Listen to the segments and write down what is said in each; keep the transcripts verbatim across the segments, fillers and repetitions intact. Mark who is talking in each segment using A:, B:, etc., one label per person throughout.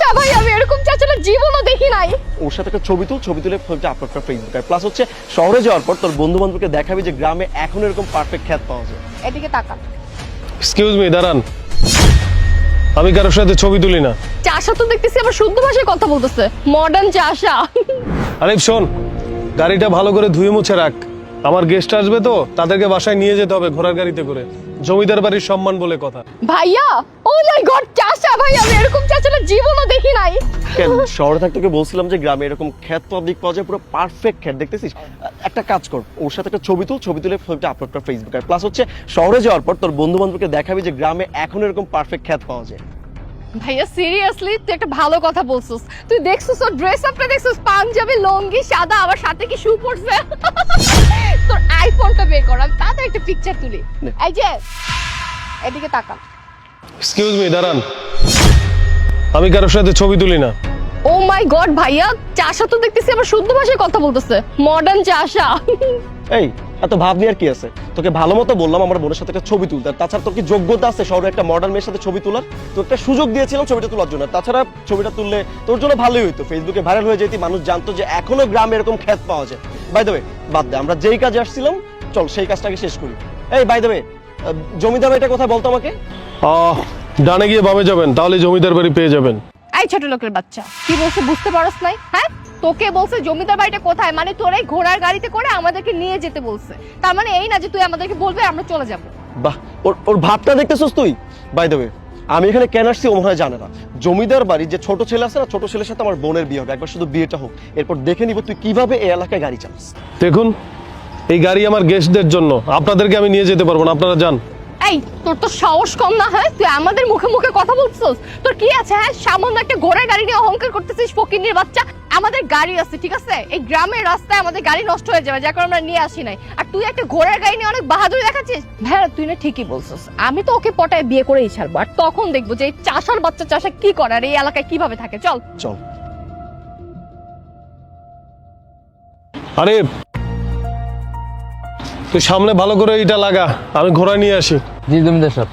A: চাচা ভাই, আমি এরকম চাচা না জীবনও দেখি নাই।
B: ওর সাথে একটা ছবি তুল, ছবি তুলে ছবিটা আপলোড কর ফেসবুকে। আর প্লাস হচ্ছে শহরে যাওয়ার পর তোর বন্ধু বান্ধবকে দেখাবি যে গ্রামে এখন এরকম পারফেক্ট খ্যাত পাওয়া যায়।
A: এদিকে তাকা।
C: এক্সকিউজ মি, দাঁড়ান। আমি কারোর সাথে ছবি তুলি না।
A: চাচা তো দেখতেছি আবার শুদ্ধ ভাষায় কথা বলতেছে, মডার্ন চাচা।
C: আরিফ শোন, গাড়িটা ভালো করে ধুয়ে মুছে রাখ। আমার গেস্ট আসবে তো, তাদেরকে বাসায় নিয়ে যেতে হবে ঘোড়ার গাড়িতে করে। জমিদার বাড়ির সম্মান বলে কথা।
A: ভাইয়া, ও মাই গড, চাচা ভাই, আমি এরকম চাচা না জীবনও দেখি নাই।
B: কেন শহরে থাকতে তোকে বলছিলাম যে গ্রামে এরকম খ্যাত পাবলিক পাওয়া যায়, পুরো পারফেক্ট খ্যাত। দেখতেছিস, একটা কাজ কর, ওর সাথে একটা ছবি তুল, ছবি তুলে ছবিটা আপলোড কর ফেসবুকে। আর প্লাস হচ্ছে শহরে যাওয়ার পর তোর বন্ধু বান্ধবকে দেখাবি যে গ্রামে এখন এরকম পারফেক্ট খ্যাত পাওয়া যায়।
A: ভাইয়া সিরিয়াসলি তুই একটা ভালো কথা বলছিস। তুই দেখছিস ওর ড্রেস আপটা, দেখছিস পাঞ্জাবি লুঙ্গি সাদা, আবার সাথে কি শু পরছে। তোর আইফোনটা বের কর, আমি তাতে একটা পিকচার তুলি। এই যে এদিকে তাকা।
C: এক্সকিউজ মি, দাঁড়ান। আমি কারোর সাথে ছবি তুলি না।
A: ও মাই গড ভাইয়া, চাচা তো দেখতেছি আবার শুদ্ধ ভাষায় কথা বলতেছে, মডার্ন চাচা।
B: এই এত ভাব নিয়ে আর কি আছে? তোকে ভালো মতো বললাম আমার বোনের সাথে একটা ছবি তুলতে। আর তাছাড়া তোর কি যোগ্যতা আছে শহরে একটা মডার্ন মেয়ের সাথে ছবি তোলার? তো একটা সুযোগ দিয়েছিলাম ছবিটা তোলার জন্য। তাছাড়া ছবিটা তুললে তোর জন্য ভালোই হইতো, ফেসবুকে ভাইরাল হয়ে যেতি, মানুষ জানতো যে এখনো গ্রামে এরকম খ্যাত পাওয়া যায়। বাই দ্য ওয়ে, বাদ দে, আমরা যেই কাজে আসছিলাম চল সেই কাজটাকে শেষ করি। এই বাই দ্য ওয়ে, জমিদার বাড়িটা কোথায় বলতো আমাকে?
C: আহ ডানে গিয়ে বামে যাবেন, তাহলে জমিদার বাড়ি পেয়ে যাবেন।
A: এই ছোট লোকের বাচ্চা, কি বলছে বুঝতে পারছ নাই? হ্যাঁ, তোকে বলছে জমিদার বাড়িটা কোথায়, মানে তোর এই ঘোড়ার গাড়িতে করে আমাদেরকে নিয়ে যেতে বলছে। তার মানে এই না যে তুই আমাদেরকে বলবে আমরা চলে যাব।
B: বাহ, ওর ওর ভাবটা দেখতেছস তুই? বাই দ্য ওয়ে, আমি এখানে কেন আসছি ও মনে হয় জানে না। জমিদার বাড়ির যে ছোট ছেলে আছে না, ছোট ছেলের সাথে আমার বোনের বিয়ে হবে, একবার শুধু বিয়েটা হোক, এরপর দেখে নিব তুই কিভাবে এই এলাকায় গাড়ি চালাস।
C: দেখুন, এই গাড়ি আমার গেস্টদের জন্য, আপনাদেরকে আমি নিয়ে যেতে পারবো না, আপনারা যান।
A: এই তোর তো সাহস কম না? হ্যাঁ, তুই আমাদের মুখে মুখে কথা বলছিস, তোর কি আছে? হ্যাঁ, সামান্য একটা ঘোড়ার গাড়ি নিয়ে অহংকার করতেছিস, ফকিন্নির বাচ্চা। আমাদের গাড়ি আছে, ঠিক আছে? এই গ্রামের রাস্তায় আমাদের গাড়ি নষ্ট হয়ে যাবে, যার কারণে আমরা নিয়ে আসি নাই। আর তুই একটা ঘোড়ার গাড়ি নিয়ে অনেক বাহাদুরি দেখাচ্ছিস। ভাইয়া তুই না ঠিকই বলছিস, আমি তো ওকে পটায় বিয়ে করেই ছাড়বো। আর তখন দেখবো যে এই চাষার বাচ্চা চাষা কি করে আর এই এলাকায় কিভাবে থাকে। চল
B: চল।
C: আরে তুই সামনে ভালো করে এটা লাগা, আমি ঘোড়া নিয়ে আসি।
D: জি জমিদার সাহেব।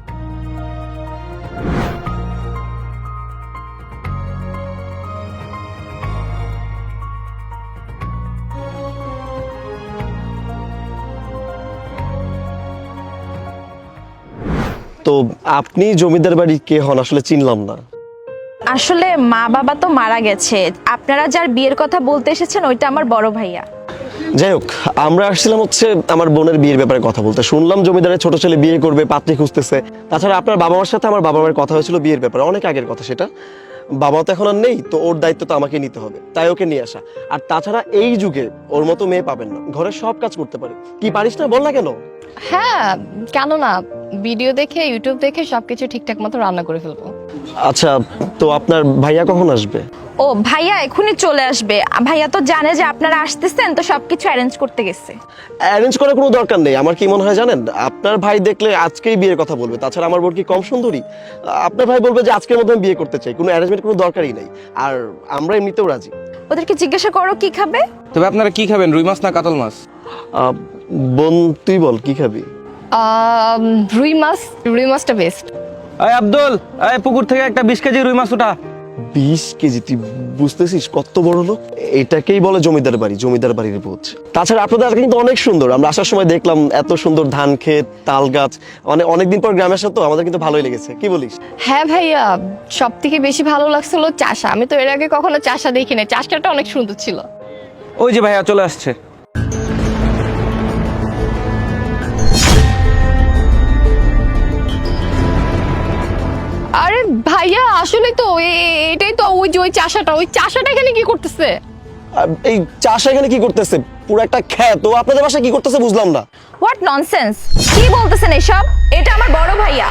B: তো আপনি জমিদার বাড়ির কে হন আসলে চিনলাম না।
E: আসলে মা বাবা তো মারা গেছে, আপনারা যার বিয়ের কথা বলতে এসেছেন ওইটা আমার বড় ভাইয়া।
B: যাই হোক, আমরা আসছিলাম হচ্ছে আমার বোনের বিয়ের ব্যাপারে কথা বলতে। শুনলাম জমিদারের ছোট ছেলে বিয়ে করবে, পাত্রী খুঁজতেছে। তাছাড়া আপনার বাবা মার সাথে আমার বাবা মায়ের কথা হয়েছিল বিয়ের ব্যাপারে, অনেক আগের কথা সেটা। বাবা তো এখন আর নেই, তো ওর দায়িত্ব তো আমাকে নিতে হবে, তাই ওকে নিয়ে আসা। আর তাছাড়া এই যুগে ওর মতো মেয়ে পাবেন না, ঘরের সব কাজ করতে পারে। কি পারিস না বল না কেন?
A: হ্যাঁ, কেন না, ভিডিও দেখে ইউটিউব দেখে সবকিছু ঠিকঠাক মতো রান্না করে ফেলবো।
B: আচ্ছা, তো আপনার ভাইয়া কখন আসবে?
E: ও ভাইয়া এখনই চলে আসবে। ভাইয়া তো জানে যে আপনারা আসতেছেন, তো সবকিছু অ্যারেঞ্জ করতে গেছে।
B: অ্যারেঞ্জ করার কোনো দরকার নেই। আমার কি মনে হয় জানেন, আপনার ভাই দেখলে আজকেই বিয়ের কথা বলবে। তাছাড়া আমার বোন কি কম সুন্দরী? আপনার ভাই বলবে যে আজকের মধ্যে আমি বিয়ে করতে চাই, কোনো অ্যারেঞ্জমেন্ট কোনো দরকারই নেই। আর আমরা এমনিতেও রাজি।
E: ওদেরকে জিজ্ঞাসা করো কি খাবে।
D: তবে আপনারা কি খাবেন, রুই মাছ না কাতল মাছ?
B: আহ, বোন তুই বল কি খাবি?
A: আহ, রুই মাছ, রুই মাছটা বেস্ট।
D: এই আব্দুল, এই পুকুর থেকে একটা বিশ কেজি রুই মাছ ওঠা।
B: বিশ কেজি? তুই বুঝতেছিস কত বড় লোক? এটাকেই বলে জমিদার বাড়ি, জমিদার বাড়ির বোঝ। তাছাড়া আপনাদের এলাকা কিন্তু অনেক সুন্দর। আমরা আসার সময় দেখলাম এত সুন্দর ধান ক্ষেত, তাল গাছ। মানে অনেকদিন পর গ্রামে আসা তো, আমাদের কিন্তু ভালোই লেগেছে। কি বলিস?
A: হ্যাঁ ভাইয়া, সব থেকে বেশি ভালো লাগছিল চাষা। আমি তো এর আগে কখনো চাষা দেখি না, চাষটা অনেক সুন্দর ছিল।
D: ওই যে ভাইয়া চলে আসছে।
A: আরে ভাইয়া, আসলে তো এ- এটাই তো ওই যে ওই চাষাটা, ওই চাষাটা এখানে কি করতেছে?
B: আহ, এই চাষা এখানে কি করতেছে? পুরো একটা ক্ষেত। ও আপনাদের বাসায় কি করতেছে বুঝলাম না।
E: হোয়াট ননসেন্স, কি বলতেছেন এসব? এটা আমার বড় ভাইয়া।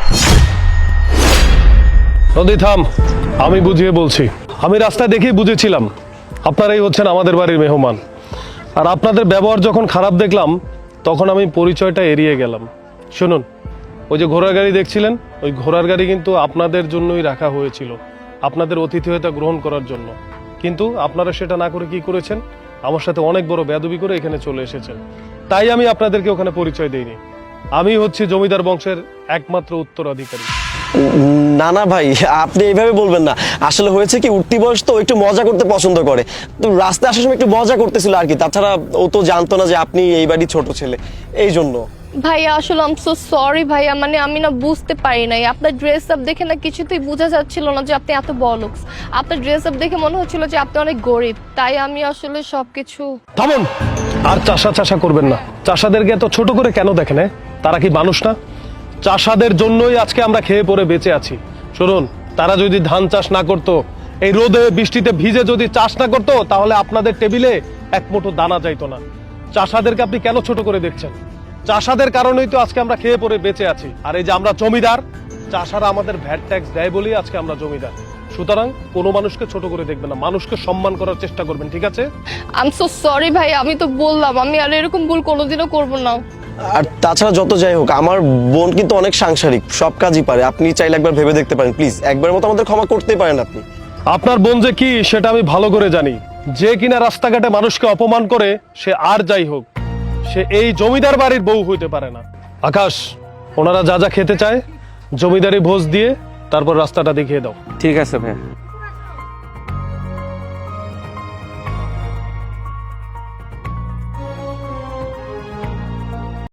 C: নদী থাম, আমি বুঝিয়ে বলছি। আমি রাস্তায় দেখেই বুঝেছিলাম আপনারাই হচ্ছেন আমাদের বাড়ির মেহমান। আর আপনাদের ব্যবহার যখন খারাপ দেখলাম, তখন আমি পরিচয়টা এড়িয়ে গেলাম। শুনুন, ওই যে ঘোড়ার গাড়ি দেখছিলেন, ওই ঘোড়ার গাড়ি কিন্তু আপনাদের জন্যই রাখা হয়েছিল, আপনাদের অতিথিয়তা গ্রহণ করার জন্য। কিন্তু আপনারা সেটা না করে কি করেছেন? আমার সাথে অনেক বড় বেয়াদবি করে এখানে চলে এসেছেন। তাই আমি আপনাদেরকে ওখানে পরিচয় দিইনি। আমি হচ্ছি জমিদার বংশের একমাত্র উত্তরাধিকারী।
B: না না ভাই, আপনি এইভাবে বলবেন না। আসলে হয়েছে কি, উঠতি বয়স তো একটু মজা করতে পছন্দ করে, তো রাস্তায় আসার সময় একটু মজা করতেছিল আর কি। তাছাড়া ও তো জানতো না যে আপনি এই বাড়ির ছোট ছেলে, এই জন্য।
A: ভাইয়া আসলে আম সো সরি ভাইয়া, মানে আমি না বুঝতে পারি নাই। আপনার ড্রেস আপ দেখে না কিছুতেই বোঝা যাচ্ছিল না যে আপনি এত বড়লোকস। আপনার ড্রেস আপ দেখে মনে হচ্ছিল যে আপনি অনেক গরিব, তাই আমি আসলে সবকিছু।
C: থামুন, আর চাষা চাষা করবেন না। চাষাদেরকে এত ছোট করে কেন দেখেন? হ্যাঁ, তারা কি মানুষ না? চাষাদের জন্যই আজকে আমরা খেয়ে পরে বেঁচে আছি। শুনুন, তারা যদি ধান চাষ না করতো, এই রোদে বৃষ্টিতে ভিজে যদি চাষ না করতো, তাহলে আপনাদের টেবিলে এক মুঠো দানা যাইতো না। চাষাদেরকে আপনি কেন ছোট করে দেখছেন? চাষাদের কারণেই তো আজকে আমরা খেয়ে পরে বেঁচে আছি। আর এই যে আমরা জমিদার, চাষারা আমাদের ভ্যাট ট্যাক্স দেয় বলেই আজকে আমরা জমিদার। সুতরাং কোনো মানুষকে ছোট করে দেখবেন না, মানুষকে সম্মান করার চেষ্টা করবেন, ঠিক আছে?
A: আম সো সরি ভাই, আমি তো বললাম আমি আর এরকম ভুল কোনোদিনও করবো না।
B: আর তাছাড়া যত যাই হোক, আমার বোন কিন্তু অনেক সাংসারিক, সব কাজই পারে। আপনি চাইলে একবার ভেবে দেখতে পারেন, প্লিজ একবার মতো আমাদের ক্ষমা করতেই পারেন আপনি।
C: আপনার বোন যে কি সেটা আমি ভালো করে জানি। যে কিনা রাস্তাঘাটে মানুষকে অপমান করে, সে আর যাই হোক, সে এই জমিদার বাড়ির বউ হইতে পারে না। আকাশ, ওনারা যা যা খেতে চায় জমিদারি ভোজ দিয়ে তারপর রাস্তাটা দেখিয়ে দাও।
D: ঠিক আছে ভাই।